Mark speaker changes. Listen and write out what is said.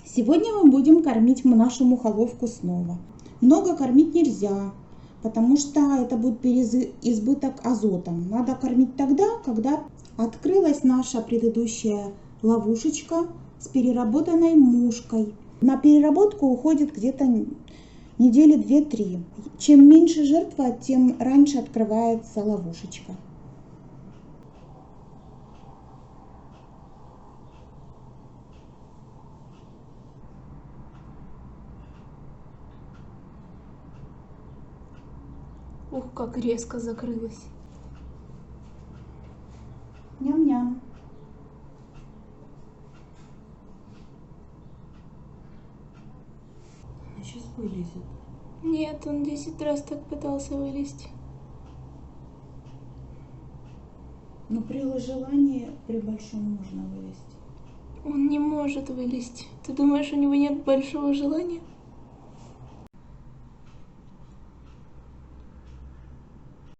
Speaker 1: Сегодня мы будем кормить нашу мухоловку снова. Много кормить нельзя, потому что это будет избыток азота. Надо кормить тогда, когда открылась наша предыдущая ловушечка с переработанной мушкой. На переработку уходит где-то недели 2-3. Чем меньше жертва, тем раньше открывается ловушечка.
Speaker 2: Ух, как резко закрылась.
Speaker 1: Ням-ням.
Speaker 3: Она сейчас вылезет.
Speaker 2: Нет, он 10 раз так пытался вылезти.
Speaker 1: Но при желании, при большом можно вылезти.
Speaker 2: Он не может вылезти. Ты думаешь, у него нет большого желания?